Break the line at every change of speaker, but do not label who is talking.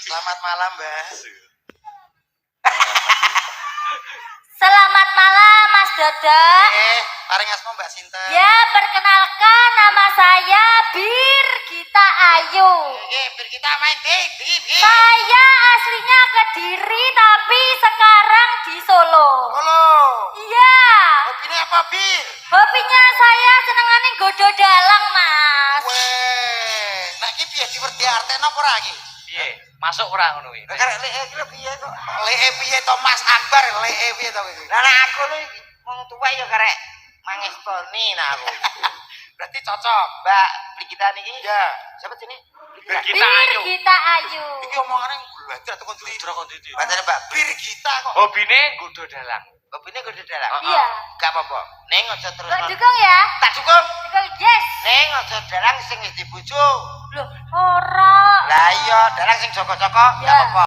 Selamat malam, Mbak.
Selamat malam, Mas Dodo.
Paring asma Mbak Sinta.
Ya, perkenalkan nama saya Bir Gita Ayu.
Bir kita main di.
Saya aslinya Kediri tapi sekarang di Solo.
Halo.
Iya.
Hobinya apa, Bir?
Hobinya saya senengane godo dalang, Mas.
Weh, nah iki piye diwerdi artene apa ora iki?
Piye? Masuk ora ngono kuwi.
Karek lek iki piye to? Lek piye to Mas Akbar, lek piye to iki?
Lah nek aku lu wong tuwa ya karek mangestoni nah aku.
Berarti cocok.
Mbak Brigita niki.
Ya.
Siapa sini?
Bir
Bir
kita ayu.
Gita Ayu.
Iki omongane belajar tekan ndi?
Dra kon dadi.
Pancene Mbak Bir kita kok.
Hobine nggodho dalang.
Hobine kudu dalang.
Iya.
Gak apa-apa. Ning aja terus.
Kok dukung ya?
Tak cukup.
Dukung, yes.
Ning aja dalang sing wis dibojo.
Loh, ora.
Lah iya, dalang sing joko-joko
Ya.
gak apa-apa.